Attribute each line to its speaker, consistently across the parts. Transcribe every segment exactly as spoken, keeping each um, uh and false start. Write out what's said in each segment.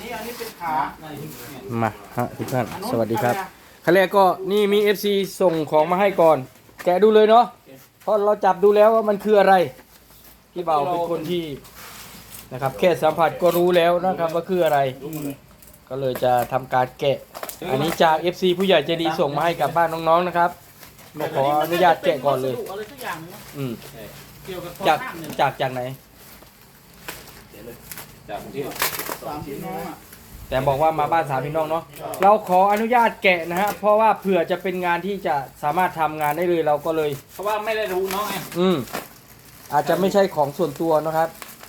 Speaker 1: อันนี้เป็นขา
Speaker 2: มาฮะทุกท่านสวัสดีครับขั้นแรกก็นี่มี เอฟ ซี ส่งของมาให้ก่อน แกะดูเลยเนาะเพราะเราจับดูแล้วว่ามันคืออะไรพี่เบาเป็นคนที่นะครับแค่สัมผัสก็รู้แล้วนะครับว่าคืออะไร ก็เลยจะทำการแกะ อันนี้จาก เอฟ ซี ผู้ใหญ่ใจดีส่งมาให้กับบ้านน้องๆนะครับก็ขออนุญาตแกะก่อนเลยอืมจากจากจากไหน
Speaker 3: จากกรุงเทพ
Speaker 1: สามพี่น้องอ่ะ
Speaker 2: แต่บอกว่ามาบ้านสามพี่น้องเนาะเราขออนุญาตแกะนะฮะเพราะว่าเผื่อจะเป็นงานที่จะสามารถทำงานได้เลยเราก็เลย
Speaker 3: เพราะว่าไม่ได้รู้น้องไง
Speaker 2: อืมอาจจะไม่ใช่ของส่วนตัวนะครับ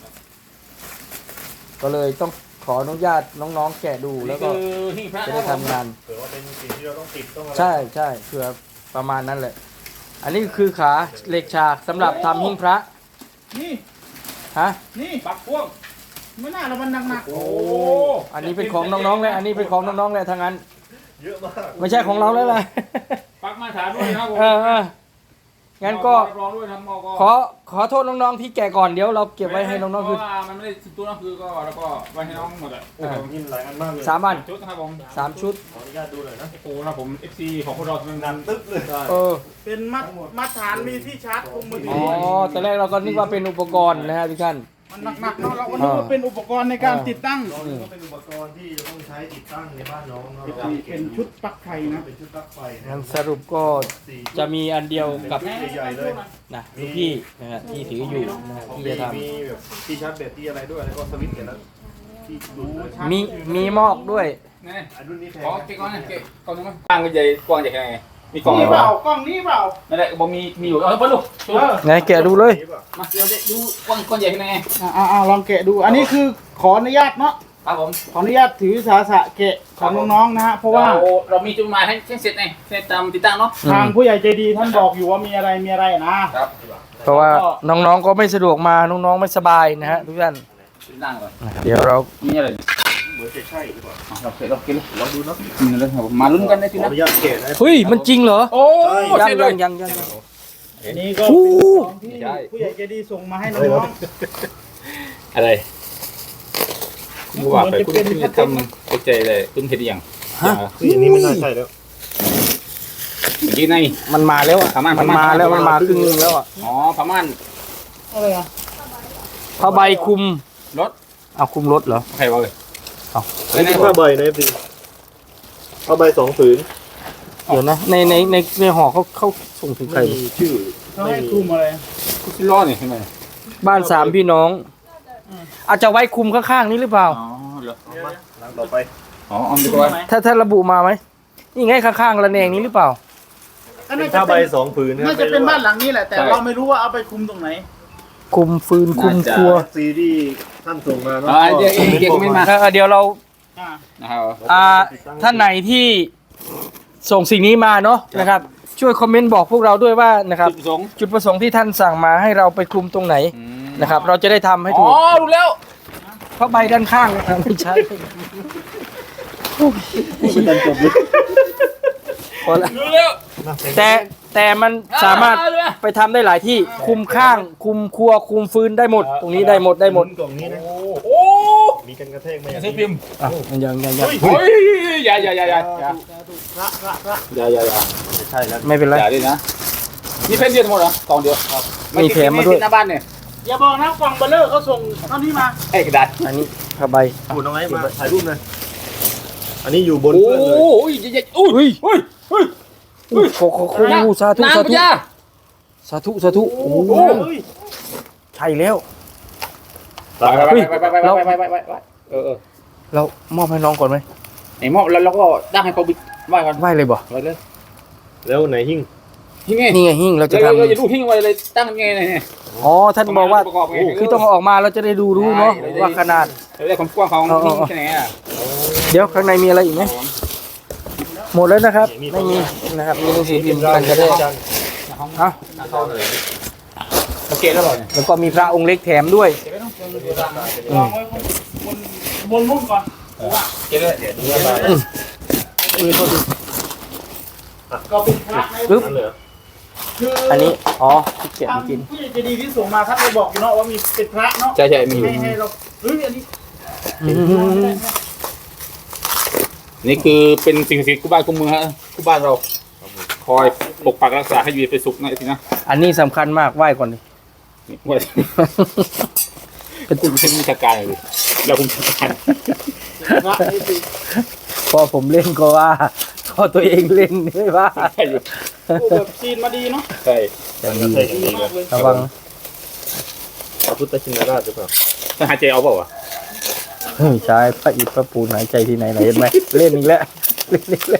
Speaker 2: ก็เลยต้องขออนุญาตน้องๆแกะดูแล้วก็
Speaker 3: คือหิ้งพระ
Speaker 2: จะได้ทำงาน
Speaker 4: เผื่อว่าเป็นสิ่งที่เราต้องติดต้องอะไร
Speaker 2: ใช่ใช่เผื่อประมาณนั้นแหละ อันนี้คือขาเหล็กฉากสำหรับทำหิ้งพระ
Speaker 1: นี่
Speaker 2: ฮะ
Speaker 1: นี่
Speaker 3: ปักพ่วง
Speaker 1: ไม่น่าเรามันหนักๆ
Speaker 3: โอ้
Speaker 2: อันนี้เป็นของน้องๆเลยอันนี้เป็นของน้องๆเลยทางนั้น
Speaker 4: เยอะมาก
Speaker 2: ไม่ใช่ของเราแล้วล่ะ
Speaker 3: ปักมาตรฐานด้วยนะครับผม
Speaker 2: เออเอองั้นก็
Speaker 3: รับรองด้วยทำมอก
Speaker 2: ขอขอโทษน้องๆที่แก่ก่อนเดี๋ยวเราเก็บไว้ให้น้องๆคือ
Speaker 3: เพราะว่ามันไม่ได้สุดตัวน้องคือก็แล้วก็ไว้ให้น้องหมดอ่ะ
Speaker 4: โอ้โหยินหลายอันมากเลย
Speaker 2: สามอัน
Speaker 3: ชุดนะครับผม
Speaker 2: สามชุด
Speaker 4: ขออนุญาตดูหน่อยนะ
Speaker 3: โอ้โหนะครับผม เอฟ ซี ของพวกเราเป็น
Speaker 4: ดันตึ๊บเลย
Speaker 2: เออ
Speaker 1: เป็นมัดมัดฐานมีที่ชาร์จคุมมือถื
Speaker 2: อ๋อ
Speaker 1: อ
Speaker 2: ตอนแรกเราก็นึกว่าเป็นอุปกรณ์นะฮะทุกท่าน
Speaker 1: มันหนักๆเนาะเราก็นึกว่าเป็นอุปกรณ์ในการติดตั้ง
Speaker 4: ตอนนี้ก็เป็นอุปกรณ์ที่จะต้องใช้ติดตั้งในบ้านน้องเนาะ
Speaker 1: เป็นชุดปลั๊กไฟนะ
Speaker 4: เป็นชุดปลั๊กไฟนะ
Speaker 2: งั้นสรุปก็จะมีอันเดียวกับ
Speaker 4: ชุดใหญ่ๆเลย
Speaker 2: นะลูกพี่นะฮะที่ถืออยู่นะฮะที่จะท
Speaker 4: มีแบบที่ชาร์จแบตที่อะไรด้วยแล้วก็สวิตช์เห็นแล้วที่ดูนะ
Speaker 2: ำมีมีหมอกด้วย
Speaker 3: นี่
Speaker 4: อันรุ่นนี้แพง
Speaker 3: ขอเก็บก่อนนะเก็บกล่องนึงมั้ยกว้างก็ใหญ่กว้างใหญ่แค่ไหนมีกล่อง
Speaker 1: นี่
Speaker 3: เหร
Speaker 1: เป
Speaker 3: อ
Speaker 1: ล่ากล้องนี้เปล่า
Speaker 3: นั่นแหละบอกมีมีอยู่เอาไปลูก
Speaker 1: เออ
Speaker 2: ไหนแกะดูเลย
Speaker 4: นี่ป่ะ
Speaker 3: มาเดี๋ยวดูกว้างกว้างใหญ่แค่ไหน
Speaker 1: อ่าอ่าลองแกะดู อันนี้คือขออนุญาตเนาะ
Speaker 3: ครับผม
Speaker 1: ขออนุญาตถือสาสะแกะของน้องๆนะฮะ เพราะว่า
Speaker 3: เราเรามีจุดหมายให้เสร็จไงเสร็จตามติดตั้งเนาะ
Speaker 1: ทางผู้ใหญ่ใจดีท่านบอกอยู่ว่ามีอะไรมีอะไรนะครับ
Speaker 2: เพราะว่าน้องๆก็ไม่สะดวกมาน้องๆไม่สบายนะฮะทุกท่าน
Speaker 3: ติดตั้งก่อน
Speaker 2: เดี๋ยวเรา
Speaker 3: มีอะไร
Speaker 4: เหมือนจะใช่หรือเปล่า
Speaker 3: เราเก็บเราเก็บ
Speaker 4: ลองดูเนาะ
Speaker 3: มีอะไรครับผมมาลุ้นกันได้
Speaker 4: ข
Speaker 3: สิ
Speaker 4: อ
Speaker 3: นะ
Speaker 4: อนุญาตเกะนะ
Speaker 2: เฮ้ยมันจริงเหรอ
Speaker 3: โอ้
Speaker 2: ยัง
Speaker 3: เสร็จเล
Speaker 2: ยั
Speaker 3: ย
Speaker 2: งยังยัง
Speaker 1: อันนี้ก็
Speaker 2: โอ้
Speaker 1: เป็นของที่ผู้ใหญ่ใจดีส่งมาให้น้อง
Speaker 3: อะไรคุณว่าไปคุณคุณจะทำเข้าใจเลยคุณเห็นยัง
Speaker 2: ฮะ
Speaker 4: คืออันนี้ไม่น่าใช่แล้ว
Speaker 3: เมื่อกี้ใน
Speaker 2: มันมาแล้วอ่ะ
Speaker 3: ประมาณ
Speaker 2: มันมาแล้วมันมาครึ่งนึงแล้วอ่ะ
Speaker 3: อ๋อประมาณ
Speaker 1: ๆอะไรอ่ะ
Speaker 2: ผ้าใบคลุม
Speaker 3: รถ
Speaker 2: เอาคลุมรถเหรอ
Speaker 3: ใครวะเลย
Speaker 2: เอา
Speaker 4: อันนี้ผ้าใบนะพี่ผ้าใบสองผืน
Speaker 2: เดี๋ยวนะในในในในห่อเขาเขาส่งถึงใคร
Speaker 4: ไม่มีชื่อ
Speaker 1: เขาให้คลุมอะไร
Speaker 3: คุณซิล้อนี่ใช่ไหม
Speaker 2: บ้านสามพี่น้อง อาจจะไว้คลุมข้างๆนี้หรือเปล่า
Speaker 3: อ๋อเหรอ
Speaker 4: เอามาหลังต่อไป
Speaker 3: อ๋อเอาดีกว่า
Speaker 2: ถ้าถ้าระบุมาไหมนี่ไงข้างๆระแนงนี้หรือเปล่า
Speaker 1: ก็
Speaker 4: เป็
Speaker 1: น่าน จะ
Speaker 4: ผ้าใบ
Speaker 1: เป็น
Speaker 4: สองผืนนะ
Speaker 1: น่าจะเป็นบ้านหลังนี้แหละ แต่เราไม่รู้ว่าเอาไปคลุมตรงไหน
Speaker 2: คลุมฟืนคลุมครัว
Speaker 4: ซีรีส์ท่านส่งมาเนาะ
Speaker 3: อ๋อเดี๋ยวเดี๋ยวไม่มา
Speaker 2: เออเดี๋ยวเรา
Speaker 1: อ่า
Speaker 3: นะครับ
Speaker 2: อ่าท่านไหนที่ส่งสิ่งนี้มาเนาะนะครับ ช่วยคอมเมนต์บอกพวกเราด้วยว่านะครับ
Speaker 3: จุดประสงค์
Speaker 2: จุดประสงค์ที่ท่านสั่งมาให้เราไปคลุมตรงไหนนะครับ เราจะได้ทำให้
Speaker 3: อ๋
Speaker 2: ถู
Speaker 3: อก รู้แล้ว
Speaker 2: เพราะใบด้านข้างนะครับไม่ใช่
Speaker 4: ไม่ทันจบเลย
Speaker 2: พอละ
Speaker 3: รู้แล้ว
Speaker 2: แต่แต่มันสามารถไปทำได้หลายที่คุมข้าง คุมครัวคุมฟืนได้หมด ตรงนี้ได้หมดได้หมด
Speaker 4: กล่องนี้นะ
Speaker 3: โอ้
Speaker 4: มีกันกระแทกไหม
Speaker 3: ซื้อพิมพ์
Speaker 2: อ่ะยังยังยัง
Speaker 3: เฮ้ยอย่าอย่าอย่าอย่าอย่า
Speaker 1: พระพระพระ
Speaker 3: อย่าอย่าอย่า
Speaker 4: ไม่ใช่แล้ว
Speaker 2: ไม่เป็นไร
Speaker 3: อย่าดินะนี่เพ่นเดียวทั้งหมดเหรอกล่องเดียวครับ
Speaker 2: มีแถมมาด้วย
Speaker 3: หน้าบ้านเนี่ย
Speaker 1: อย่าบอกนะกล่องเบลเลอร์เขาส่งเท่านี้มา
Speaker 3: ไอ้กระดาษ
Speaker 2: อันนี้ผ้าใบ
Speaker 4: พูดน้อยมาถ่ายรูปหน่อยอันนี้อยู่บน
Speaker 3: โอ้
Speaker 4: เพื่อนเลย
Speaker 3: ยใหญ่ๆอุ้ย
Speaker 2: เฮ้ย
Speaker 3: เฮ้ยเฮ้ย
Speaker 2: โอ้โหโอ้โหสาธุ
Speaker 3: นาง
Speaker 2: สา
Speaker 3: พ
Speaker 2: ธุ
Speaker 3: ญา
Speaker 2: สาธุสาธุโอ้โห
Speaker 4: เฮ้ย
Speaker 2: ใช่แล้ว
Speaker 3: ไปไปไปไปไปไปไปไปไปเออเออ
Speaker 2: เรามอบให้น้องก่อนไหม
Speaker 3: ไอ้หม้อแล้วเราก็ตั้งให้เขาบิ๊กไหว้กัน
Speaker 2: ไหวเลยบ่
Speaker 3: ไว้เลย
Speaker 4: แล้วไหนหิ้ง
Speaker 3: หิ้งไง
Speaker 2: นี่ไงหิ้งเราจะ
Speaker 3: เรา
Speaker 2: ทำ
Speaker 3: เราจะดูหิ้งไว้เลยตั้งยังไงเนี่ย
Speaker 2: อ๋อท่านบอกว่า
Speaker 3: ประกอบไง
Speaker 2: คือต้องเอาออกมาเราจะได้ดูรู้เนาะว่าขนาด
Speaker 3: เราได้ความกว้างของหิ้งแค่ไหนอ่ะ
Speaker 2: เดี๋ยวข้างในมีอะไรอีกไหมหมดแล้วนะครับ ไม่มีนะครับมีหนังสือพิมพ์กันกระแทกอ่ะ
Speaker 3: โอเคแล้วเหรอเนี่ย
Speaker 2: แล้วก็มีพระองค์เล็กแถมด้วย
Speaker 1: วางไว้บนบนรุ่นก่อน
Speaker 3: เก็บเลย
Speaker 4: เนื้อลาย
Speaker 1: ก็เป็นพระใน
Speaker 2: ปึ๊บ
Speaker 4: นั่นเหรอ
Speaker 1: คือ
Speaker 2: อันนี้อ๋อที่เก็บ
Speaker 1: ทาง
Speaker 2: กิน
Speaker 1: ผู้ใหญ่ใจดีที่ส่งมาท่านได้บอกอยู่เนาะว่ามีเป็นพระเนาะ
Speaker 3: ใช่ใช่มีอยู่
Speaker 1: ให้ให้เราเฮ้ยอันนี้
Speaker 2: อืม
Speaker 3: นี่คือเป็นสิ่งศักดิ์สิทธิ์คู่บ้านคู่เมืองฮะคู่บ้านเราคอยปกปักรักษาให้อยู่เป็นสุขนะไอ้ทีนะ
Speaker 2: อันนี้สำคัญมากไหว้ก่อนดิ
Speaker 3: นี่ว่าคุณเป็นวิชาการเลยเราคุณวิชาการ
Speaker 2: พอผมเล่นก็ว่าพอตัวเองเล่นไม่ว่า
Speaker 3: ใช่อยู่
Speaker 1: โอ้แบบจีนมาดีเนาะ
Speaker 3: ใช่
Speaker 2: อย่างดี
Speaker 1: ดีมากเลย
Speaker 2: ระวัง
Speaker 4: พระพุทธชินราชหรือเปล่า
Speaker 3: ต้องหายใจเอาเปล่าวะ
Speaker 2: เฮ้ยใช้พระอิฐพระปูนหายใจที่ไหนไหนเห็นไหมเล่นอีกแล้วเล่นอีกแล้ว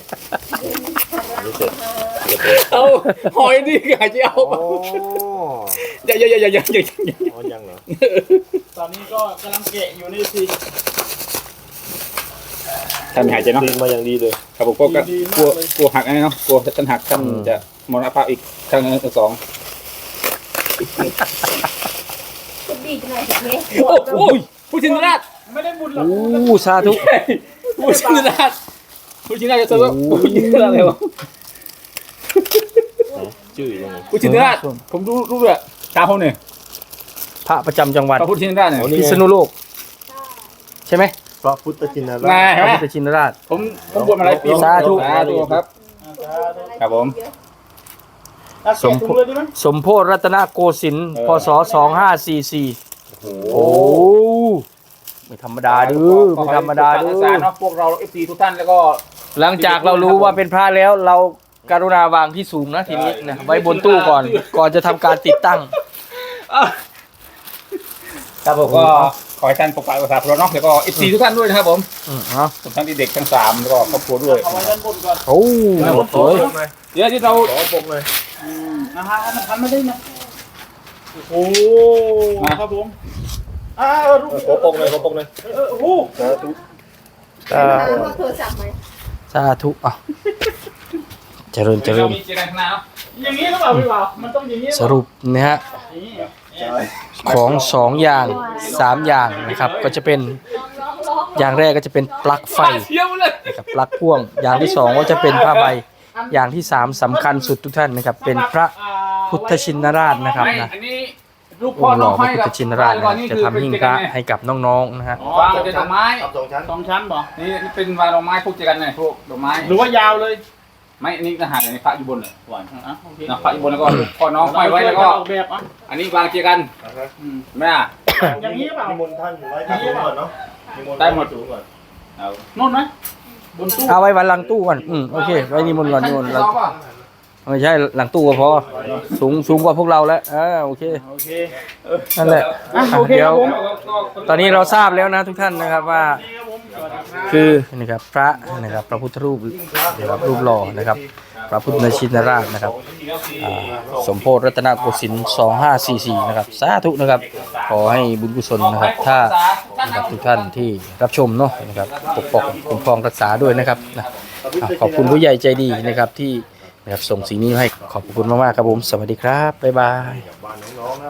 Speaker 3: เอาหอยนี่หายใจเอาเปล่า
Speaker 4: โอ้
Speaker 3: อย่าอย่าอย่าอย่าอย่าอย่าอย่า
Speaker 4: อ๋อยังเหรอ
Speaker 1: ตอนนี้ก็กำลังแกะอยู่นี่สิ
Speaker 3: ท่านหายใจเนาะ
Speaker 4: ตีนมาอย่างดีเลย
Speaker 3: ครับผมก็กลัวกลัวหักไอ้เนาะกลัวท่านหักท่านจะมรณภาพอีกครั้งสอง
Speaker 5: ดีจังเลยเฮ้ย
Speaker 3: โอ้โหผู้ชินราช
Speaker 1: ไม่ได้บุญหรอก
Speaker 2: โอ้สาธุ
Speaker 3: ผู้ชินราชผู้ชินราชจะว่าผู้ชินราชอะไรวะ
Speaker 4: ชื่อยังไง
Speaker 3: ผู้ชินราชผมรู้รู้เลยตาเขาเนี่ย
Speaker 2: พระประจำจังหวัด
Speaker 3: พระพุทธชินราชเนี่ย
Speaker 2: พิษณุโลกใช่ไหม
Speaker 4: พระพุทธชินรา
Speaker 3: นา
Speaker 4: ช
Speaker 3: ย
Speaker 2: พ
Speaker 3: ใช่
Speaker 2: ระ
Speaker 3: ไหม
Speaker 2: พุทธชินราช
Speaker 3: ผมผมบวชมาหลายปี
Speaker 2: สาธุ
Speaker 3: สาธุครับ ครับผม
Speaker 1: อ่ะแกะถุงเลยดีไหม
Speaker 2: สมโพธิรัตนโกสินทร์พศสองห้าสี่สี่โอ้ไม่ธรรมดาดื้อไม่ธรรมดาดื้
Speaker 3: สาร
Speaker 2: อ
Speaker 3: เนาะพวกเราเอฟซีทุกท่านแล้วก็
Speaker 2: หลังจากเรารู้ว่าเป็นพระแล้วเราการุณาวางที่สูงนะทีนี้นะไว้บนตู้ก่อนก่อนจะทำการติดตั้ง
Speaker 3: ครับผมก็ขอให้ท่านปกปักรักษาพวกเราเนาะแล้วก็เอฟซีทุกท่านด้วยนะครับผม
Speaker 2: อืมเนาะ
Speaker 3: ทั้งเด็กๆทั้งสามแล้วก็ครอบครัวด้วย
Speaker 1: เอาไว้ด้านบนก่อน
Speaker 2: โอ้สวย
Speaker 3: เดี๋ยวที่เรา
Speaker 4: ขอปกเลย
Speaker 1: อืมนะฮะมันทันไม่ได้นะโอ้โหครับผมอ่าเออลูก
Speaker 4: ขอปกเลยขอปกเลย
Speaker 1: เออเออโอ้โห
Speaker 4: สาธุ
Speaker 2: เอ่อ
Speaker 5: โทรศัพท์ไหม
Speaker 2: สาธุอ่ะเจริญเจริ
Speaker 3: เรา
Speaker 2: ญ
Speaker 3: มีเจริญนาเนาะ
Speaker 1: อย่างนี้หรือเปล่าพี่บ่าวมันต้องอย่างนี้ห
Speaker 2: ส
Speaker 1: อเปล่า
Speaker 2: รุปนะฮะ
Speaker 1: อย่างนี้
Speaker 4: ใช่
Speaker 2: ของสองอย่างสามอย่างนะครับ ก็จะเป็นอย่างแรกก็จะเป็นปลั๊กไฟ
Speaker 3: เที่ยวเลย
Speaker 2: นะครับปลั๊กพ่วง อย่างที่สองก็จะเป็นผ้าใบ อย่างที่สามสำคัญสุดทุกท่านนะครับ เป็นพระพุทธชินราชนะครับ
Speaker 3: ไม่
Speaker 2: นะ
Speaker 3: อันนี้ลูก
Speaker 2: อ
Speaker 3: พ่อง
Speaker 2: ค์ห
Speaker 3: น้
Speaker 2: ล่
Speaker 3: อ
Speaker 2: อง พระ
Speaker 3: ห้อย
Speaker 2: พุท
Speaker 3: กั
Speaker 2: ธ
Speaker 3: บ
Speaker 2: ชินราช
Speaker 3: ก่อน
Speaker 2: นะ
Speaker 3: นี่
Speaker 2: จะ
Speaker 3: คือ
Speaker 2: ทำ
Speaker 3: เป็น
Speaker 2: หิ้ง
Speaker 3: เจ
Speaker 2: พ
Speaker 3: กั
Speaker 2: ระ
Speaker 3: นไง
Speaker 2: ให้กับน้องๆนะฮะ
Speaker 3: อ๋อวางเป็นดอกไม้
Speaker 4: ทำสองชั้น
Speaker 1: สองชั้นบ่
Speaker 3: นี่นี่เป็นวางดอกไม้พวกเจกันไงพวกดอกไม้
Speaker 1: หรือว่ายาวเลย
Speaker 3: ไม่อันนี้ทหารอันนี้พระอยู่บนเลย
Speaker 1: หวานอ่ะโอเค
Speaker 3: นะพระอยู่บนแล้วก็พ่อน้องห้อยไว้แล้วก็
Speaker 1: ออกแบบอ่ะ
Speaker 3: อันนี้วางเจกัน
Speaker 4: นะครับ
Speaker 1: อืม
Speaker 3: แม่อ่ะ
Speaker 1: อย่างนี้หรือเปล่า
Speaker 4: นิมนต์ท่านไว้ที่สูงก่อนเนาะนิมนต์
Speaker 3: ได้หมด
Speaker 4: สูงก่อน
Speaker 3: เอา
Speaker 1: โน่นไหมบนตู้
Speaker 2: เอาไว้วันหลังตู้ก่อนอืมโอเคไว้นี่มนต์ก่อนนี่มนต์หลังไม่ใช่หลังตู้ก็พอสูงสูงกว่าพวกเราแล้วอ่าโอเค
Speaker 1: โอเค
Speaker 2: นั่นแหละ
Speaker 1: อ่ะ
Speaker 2: อ่ะ
Speaker 1: โอเค
Speaker 2: เดี๋
Speaker 1: ค
Speaker 2: ย
Speaker 1: รั
Speaker 2: ว
Speaker 1: บผม
Speaker 2: ตอนนี้เราทราบแล้วนะทุกท่านนะครับว่า
Speaker 1: นี่ครับผมสวัสดีครับ
Speaker 2: คือนะครับพระนะครับพระพุทธรูปนะครับรูปหล่อนะครับ พระพุทธชินราชนะครับอ่าสมโพธิรัตนโกสินทร์สองห้าสี่สี่นะครับสาธุนะครับ ขอให้บุญกุศลนะครับ ถ้านะครับทุกท่านที่รับชมเนาะนะครับปกป้องคุ้มครองรักษาด้วยนะครับนะอ่ะขอบคุณผู้ใหญ่ใจดีนะครับที่นะครับส่งสิ่งนี้มาให้ขอบคุณมากๆครับผมสวัสดีครับบ๊ายบาย
Speaker 4: บ้านน้องๆนะ